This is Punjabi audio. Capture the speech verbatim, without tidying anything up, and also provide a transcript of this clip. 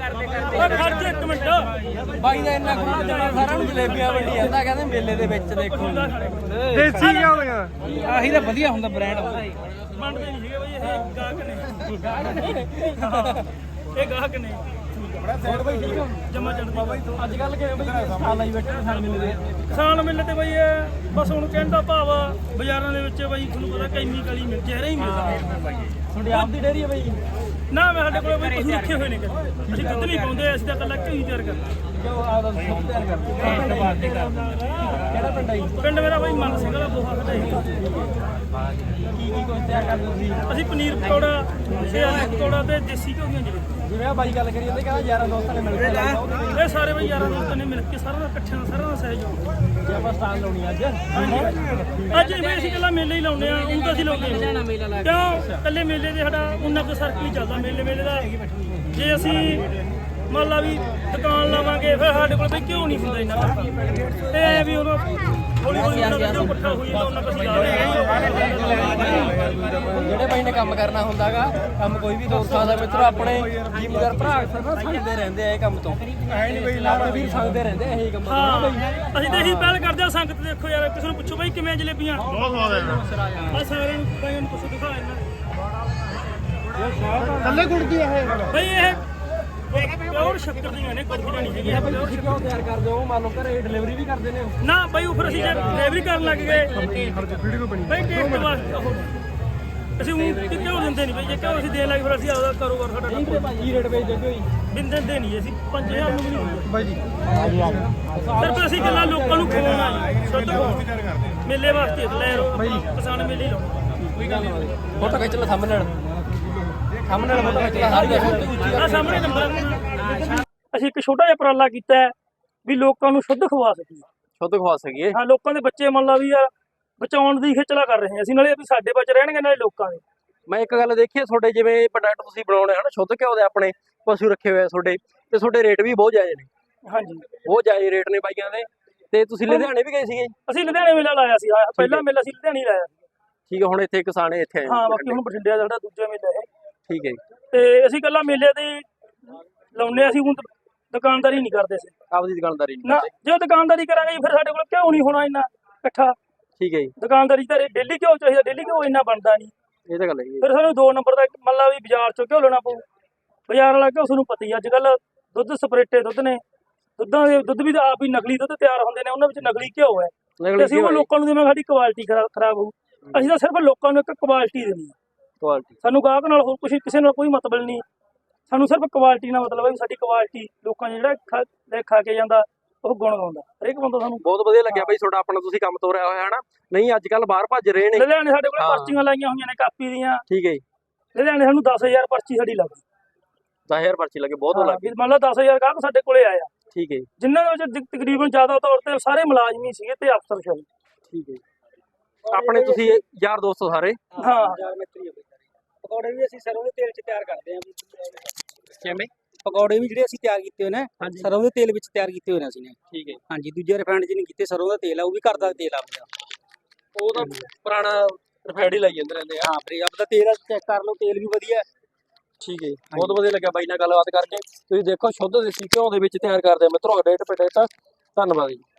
ਖਰਚ ਇੱਕ ਮਿੰਟ ਬਾਈ ਦਾ ਇੰਨਾ ਖੁੱਲਾ ਜਾਣਾ ਸਾਰਿਆਂ ਨੂੰ ਜਲੇਬੀਆਂ ਵੰਡੀ ਜਾਂਦਾ ਕਹਿੰਦੇ ਮੇਲੇ ਦੇ ਵਿੱਚ ਦੇਖੋ ਦੇਸੀ ਕਿਉਂ ਹੋਇਆ ਆਹੀ ਤਾਂ ਵਧੀਆ ਹੁੰਦਾ ਬ੍ਰਾਂਡ ਬਣਦੇ ਨਹੀਂ ਸੀਗੇ ਬਈ ਇਹ ਗਾਹਕ ਨੇ ਇਹ ਗਾਹਕ ਨੇ ਹੋਰ ਬਈ ਠੀਕ ਹੋ ਜਮਾ ਚੜਦੀ ਅੱਜ ਕੱਲ ਕਿਵੇਂ ਬਈ ਸਾਲ ਆਈ ਬੈਠੇ ਕਿਸਾਨ ਮੇਲੇ ਦੇ ਕਿਸਾਨ ਮੇਲੇ ਤੇ ਬਈ ਇਹ ਬਸ ਹੁਣ ਕਹਿਣ ਦਾ ਭਾਵ ਆ ਬਾਜ਼ਾਰਾਂ ਦੇ ਵਿੱਚ ਬਈ ਤੁਹਾਨੂੰ ਪਤਾ ਕੈਮੀਕਲ ਹੀ ਮਿਲ ਚਿਹਰਾ ਹੀ ਮਿਲਦਾ ਤੁਹਾਡੀ ਆਪ ਦੀ ਡੇਅਰੀ ਹੈ ਬਈ ਨਾ ਮੈਂ ਸਾਡੇ ਕੋਲ ਬਈ ਪਸ਼ੂ ਰੱਖੇ ਹੋਏ ਨੇ ਅਸੀਂ ਦੁੱਧ ਨਹੀਂ ਪਾਉਂਦੇ ਅਸੀਂ ਤਾਂ ਇਕੱਲਾ ਘੀ ਤਿਆਰ ਕਰਦੇ ਕਿਉਂ ਆਦਾ ਦੁੱਧ ਤਿਆਰ ਕਰਦੇ ਕਿਹੜਾ ਪਿੰਡ ਹੈ ਪਿੰਡ ਮੇਰਾ ਬਈ ਮਨ ਸਿੰਘ ਵਾਲਾ ਬੋਹਾ ਖੜਾ ਕੀ ਕੀ ਕੁਝ ਤਿਆਰ ਕਰਦੇ ਤੁਸੀਂ ਅਸੀਂ ਪਨੀਰ ਪਕੌੜਾ ਤੇ ਆਲੂ ਪਕੌੜਾ ਤੇ ਦੇਸੀ ਘਿਓ ਦੀਆਂ ਜਲੇਬੀਆਂ ਜਿਵੇਂ ਆ ਬਾਈ ਗੱਲ ਕਰੀ ਜਾਂਦੇ ਕਹਿੰਦਾ ਯਾਰਾਂ ਦੋਸਤਾਂ ਨੇ ਮਿਲ ਕੇ ਇਹ ਸਾਰੇ ਬਈ ਯਾਰਾਂ ਦੋਸਤਾਂ ਨੇ ਮਿਲ ਕੇ ਸਾਰਾ ਦਾ ਇਕੱਠਿਆਂ ਦਾ ਸਾਰਾ ਦਾ ਸਹਿਯੋਗ ਜੇ ਆਪਾਂ ਸਟਾਲ ਲਾਉਣੀ ਅੱਜ ਅੱਜ ਵੀ ਅਸੀਂ ਇਕੱਲਾ ਮੇਲੇ ਹੀ ਲਾਉਂਦੇ ਆ ਉਹ ਤਾਂ ਅਸੀਂ ਲਾਉਂਦੇ ਕਿਉਂ ਇਕੱਲੇ ਮੇਲੇ ਦੇ ਸਾਡਾ ਉਹਨਾਂ ਕੋ ਸਰਕਲ ਹੀ ਚੱਲਦਾ ਮੇਲੇ ਮੇਲੇ ਦਾ ਜੇ ਅਸੀਂ ਮੰਨ ਲਾ ਵੀ ਦੁਕਾਨ ਲਾਵਾਂਗੇ ਫਿਰ ਸਾਡੇ ਕੋਲ ਬਈ ਕਿਉਂ ਨਹੀਂ ਹੁੰਦਾ ਇੰਨਾ ਤੇ ਐ ਵੀ ਉਹਨਾਂ ਹੌਲੀ ਹੌਲੀ ਉਹਨਾਂ ਦਾ ਇਕੱਠਾ ਹੋਈ ਜਾਂਦਾ ਉਹਨਾਂ ਕੋਲ ਜਿਹੜੇ ਬਾਈ ਨੇ ਕੰਮ ਕਰਨਾ ਹੁੰਦਾਗਾ ਕੰਮ ਕੋਈ ਵੀ ਦੋਸਤ ਸਕਦਾ ਮਿੱਤਰੋ ਆਪਣੇ ਜ਼ਿਮੀਦਾਰ ਭਰਾ ਅਕਸਰ ਸੰਗਦੇ ਰਹਿੰਦੇ ਆ ਇਹ ਕੰਮ ਤੋਂ ਐ ਨਹੀਂ ਬਈ ਲਾਭ ਵੀਰ ਸੰਗਦੇ ਰਹਿੰਦੇ ਇਹੀ ਕੰਮ ਤੋਂ ਅਸੀਂ ਤਾਂ ਇਹੀ ਪਹਿਲ ਕਰਦੇ ਆ ਸੰਗਤ ਦੇਖੋ ਯਾਰ ਕਿਸੇ ਨੂੰ ਪੁੱਛੋ ਬਾਈ ਕਿਵੇਂ ਜਲੇਬੀਆਂ ਬਹੁਤ ਸਵਾਦ ਆ ਸਾਰਿਆਂ ਨੂੰ ਬਾਈ ਨੂੰ ਪੁੱਛੋ ਦਿਖਾ ਇਹਨਾਂ ਥੱਲੇ ਗੁੜਦੀ ਇਹ ਬਈ ਇਹ ਪਿਓਰ ਸ਼ੱਕਰ ਦੀਆਂ ਨੇ ਕੁਝ ਨਹੀਂ ਹੈਗੀਆਂ ਬਈ ਤੁਸੀਂ ਕਿਉਂ ਤਿਆਰ ਕਰਦੇ ਹੋ ਮੰਨ ਲਓ ਘਰੇ ਡਿਲੀਵਰੀ ਵੀ ਕਰਦੇ ਨੇ ਨਾ ਬਈ ਉਹ ਫਿਰ ਅਸੀਂ ਜੇ ਡਿਲੀਵਰੀ ਕਰਨ ਲੱਗ ਗਏ ਵੀਡੀਓ ਬਣੀ ਬਈ ਟੇਸਟ ਵਾਸਤੇ ਅਸੀਂ ਉਹ ਕਿਉਂ ਦਿੰਦੇ ਨਹੀਂ ਬਈ ਜੇ ਕਿਉਂ ਅਸੀਂ ਦੇਣ ਲੱਗ ਫਿਰ ਅਸੀਂ ਆਪਦਾ ਕਾਰੋਬਾਰ ਸਾਡਾ ਕੀ ਰੇਟ ਵੇਚਦੇ ਕੋਈ ਬਿੰਦ ਦਿੰਦੇ ਨਹੀਂ ਅਸੀਂ ਪੰਜ ਹਜ਼ਾਰ ਨੂੰ ਵੀ ਨਹੀਂ ਬਾਈ ਜੀ ਸਿਰਫ ਅਸੀਂ ਗੱਲਾਂ ਲੋਕਾਂ ਨੂੰ ਖਵਾਉਣਾ ਜੀ ਸ਼ੁੱਧ ਮੇਲੇ ਵਾਸਤੇ ਲੈ ਰੋ ਕਿਸਾਨ ਮੇਲੇ ਹੀ ਲਾਉਣਾ ਕੋਈ ਗੱਲ ਨਹੀਂ ਫੋਟੋ ਖਿੱਚ ਲੈ ਸਾਹਮਣੇ ਸਾਹਮਣੇ ਫੋਟੋ ਖਿੱਚ ਲੈ ਸਾਰੀ ਆ ਸਾਹਮਣੇ ਨੰਬਰ ਅਸੀਂ ਇੱਕ ਛੋਟਾ ਜਿਹਾ ਉਪਰਾਲਾ ਕੀਤਾ ਹੈ ਵੀ ਲੋਕਾਂ ਨੂੰ ਸ਼ੁੱਧ ਖਵਾ ਸਕੀਏ ਸ਼ੁੱਧ ਖਵਾ ਸਕੀਏ ਹਾਂ ਲੋਕਾਂ ਦੇ ਬੱਚੇ ਮੰਨ ਲਾ ਵੀ ਯਾਰ ਬਚਾਉਣ ਦੀ ਖੇਚਲਾ ਕਰ ਰਹੇ ਹਾਂ ਅਸੀਂ ਨਾਲੇ ਵੀ ਸਾਡੇ ਬੱਚੇ ਰਹਿਣਗੇ ਨਾਲੇ ਲੋਕਾਂ ਦੇ ਮੈਂ ਇੱਕ ਗੱਲ ਦੇਖੀ ਤੁਹਾਡੇ ਜਿਵੇਂ ਪ੍ਰੋਡਕਟ ਤੁਸੀਂ ਬਣਾਉਣੇ ਹਨ ਸ਼ੁੱਧ ਘਿਓ ਦੇ ਆਪਣੇ ਪਸ਼ੂ ਰੱਖੇ ਹੋਏ ਆ ਤੁਹਾਡੇ ਤੇ ਤੁਹਾਡੇ ਰੇਟ ਵੀ ਬਹੁਤ ਜਾਇਜ਼ ਨੇ ਹਾਂਜੀ ਬਹੁਤ ਜਾਇਜ਼ ਰੇਟ ਨੇ ਬਾਈਆਂ ਦੇ ਤੇ ਤੁਸੀਂ ਲੁਧਿਆਣੇ ਵੀ ਗਏ ਸੀਗੇ ਅਸੀਂ ਲੁਧਿਆਣੇ ਮੇਲਾ ਲਾਇਆ ਸੀ ਪਹਿਲਾ ਮੇਲਾ ਅਸੀਂ ਲੁਧਿਆਣੇ ਲਾਇਆ ਸੀ ਠੀਕ ਹੈ ਹੁਣ ਇੱਥੇ ਕਿਸਾਨੇ ਇੱਥੇ ਆਏ ਹਾਂ ਬਾਕੀ ਹੁਣ ਬਠਿੰਡੇ ਦਾ ਸਾਡਾ ਦੂਜਾ ਮੇਲਾ ਹੈ ਠੀਕ ਹੈ ਤੇ ਅਸੀਂ ਇਕੱਲਾ ਮੇਲੇ ਦੇ ਲਾਉਨੇ ਅਸੀਂ ਹੁਣ ਦੁਕਾਨਦਾਰੀ ਨਹੀਂ ਕਰਦੇ ਸੀ ਆਪਦੀ ਦੁਕਾਨਦਾਰੀ ਨਾ ਜੇ ਦੁਕਾਨਦਾਰੀ ਕਰਾਂਗੇ ਫਿਰ ਸਾਡੇ ਕੋਲ ਕਿਉਂ ਨਹੀਂ ਹੋਣਾ ਇੰਨਾ ਇਕੱਠਾ ਠੀਕ ਹੈ ਜੀ ਦੁਕਾਨਦਾਰੀ ਤਾਂ ਡੇਲੀ ਕਿਉਂ ਚਾਹੀਦਾ ਡੇਲੀ ਕਿਉਂ ਇੰਨਾ ਬਣਦਾ ਨਹੀਂ ਇਹ ਤਾਂ ਗੱਲ ਹੈ ਫਿਰ ਸਾਨੂੰ ਦੋ ਨੰਬਰ ਦਾ ਮੰਨ ਲਾ ਵੀ ਬਾਜ਼ਾਰ ਚੋਂ ਕਿਉਂ ਲੈਣਾ ਪਊ ਬਾਜ਼ਾਰ ਵਾਲਾ ਕਿਉਂ ਤੁਹਾਨੂੰ ਪਤਾ ਹੀ ਅੱਜ ਕੱਲ ਦੁੱਧ ਸਪਰੇਟੇ ਦੁੱਧ ਨੇ ਦੁੱਧਾਂ ਦੇ ਦੁੱਧ ਵੀ ਤਾਂ ਆਪ ਹੀ ਨਕਲੀ ਦੁੱਧ ਤਿਆਰ ਹੁੰਦੇ ਨੇ ਉਹਨਾਂ ਵਿੱਚ ਨਕਲੀ ਘਿਓ ਹੈ ਤੇ ਅਸੀਂ ਉਹ ਲੋਕਾਂ ਨੂੰ ਦੇਵਾਂਗੇ ਸਾਡੀ ਕੁਆਲਿਟੀ ਖਰਾਬ ਹੋਊ ਅਸੀਂ ਤਾਂ ਸਿਰਫ ਲੋਕਾਂ ਨੂੰ ਇੱਕ ਕੁਆਲਿਟੀ ਦੇਣੀ ਹੈ ਕੁਆਲਿਟੀ ਸਾਨੂੰ ਗਾਹਕ ਨਾਲ ਹੋਰ ਕੁਛ ਕਿਸੇ ਨਾਲ ਕੋਈ ਮਤਲਬ ਨਹੀਂ ਸਾਨੂੰ ਸਿਰਫ ਕੁਆਲਿਟੀ ਨਾਲ ਮਤਲਬ ਹੈ ਸਾਡੀ ਕੁਆਲਿਟੀ ਲੋਕਾਂ ਜਿਹੜਾ ਖਾ ਖਾ ਕੇ ਜਾਂਦਾ ਉਹ ਗੁਣ ਗਾਉਂਦਾ ਹਰੇਕ ਬੰਦਾ ਸਾਨੂੰ ਬਹੁਤ ਵਧੀਆ ਲੱਗਿਆ ਬਾਈ ਤੁਹਾਡਾ ਆਪਣਾ ਤੁਸੀਂ ਕੰਮ ਤੋਰਿਆ ਹੋਇਆ ਹੈ ਨਾ ਨਹੀਂ ਅੱਜ ਕੱਲ ਬਾਹਰ ਭੱਜ ਰਹੇ ਨੇ ਲੁਧਿਆਣੇ ਸਾਡੇ ਕੋਲ ਪਰਚੀਆਂ ਲਾਈਆਂ ਹੋਈਆਂ ਨੇ ਕਾਪੀ ਦੀਆਂ ਠੀਕ ਹੈ ਜੀ ਲੁਧਿਆਣੇ ਸਾਨੂੰ ਦਸ ਹਜ਼ਾਰ ਪਰਚੀ ਸਾਡੀ ਲੱਗੀ ਦਸ ਹਜ਼ਾਰ ਪਰਚੀ ਲੱਗੇ ਬਹੁਤ ਲੱਗੀ ਮੰਨ ਲਓ ਦਸ ਹਜ਼ਾਰ ਗਾਹਕ ਸਾਡੇ ਕੋਲੇ ਆਇਆ ਠੀਕ ਹੈ ਜੀ ਜਿਨ੍ਹਾਂ ਦੇ ਵਿੱਚ ਤਕਰੀਬਨ ਜ਼ਿਆਦਾ ਤੌਰ ਤੇ ਸਾਰੇ ਮੁਲਾਜ਼ਮੀ ਸੀਗੇ ਤੇ ਅਫਸਰ ਸੀ ਠੀਕ ਹੈ ਆਪਣੇ ਤੁਸੀਂ ਯਾਰ ਦੋਸਤ ਸਾਰੇ ਹਾਂ ਪਕੌੜੇ ਵੀ ਅਸੀਂ ਸਰੋਂ ਦੇ ਤੇਲ 'ਚ ਤਿਆਰ ਕਰਦੇ ਹਾਂ ਕਿਵੇਂ ਪਕੌੜੇ ਵੀ ਜਿਹੜੇ ਅਸੀਂ ਤਿਆਰ ਕੀਤੇ ਹੋਏ ਨੇ ਸਰੋਂ ਦੇ ਤੇਲ ਵਿੱਚ ਤਿਆਰ ਕੀਤੇ ਹੋਏ ਨੇ ਅਸੀਂ ਨੇ ਠੀਕ ਹੈ ਹਾਂਜੀ ਦੂਜੇ ਰਿਫਾਈਨਡ 'ਚ ਨਹੀਂ ਕੀਤੇ ਸਰੋਂ ਦਾ ਤੇਲ ਆ ਉਹ ਵੀ ਘਰ ਦਾ ਤੇਲ ਆ ਆਪਣਾ ਉਹ ਤਾਂ ਪੁਰਾਣਾ ਰਿਫਾਈਨਡ ਹੀ ਲਾਈ ਜਾਂਦੇ ਰਹਿੰਦੇ ਆ ਹਾਂ ਫਿਰ ਆਪਦਾ ਤੇਲ ਚੈੱਕ ਕਰ ਲਓ ਤੇਲ ਵੀ ਵਧੀਆ ਠੀਕ ਹੈ ਬਹੁਤ ਵਧੀਆ ਲੱਗਿਆ ਬਾਈ ਨਾਲ ਗੱਲਬਾਤ ਕਰਕੇ ਤੁਸੀਂ ਦੇਖੋ ਸ਼ੁੱਧ ਦੇਸੀ ਘਿਓ ਦੇ ਵਿੱਚ ਤਿਆਰ ਕਰਦੇ ਆ ਮਿੱਤਰੋ ਰੇਟ ਪੇਟ ਧੰਨਵਾਦ ਜੀ।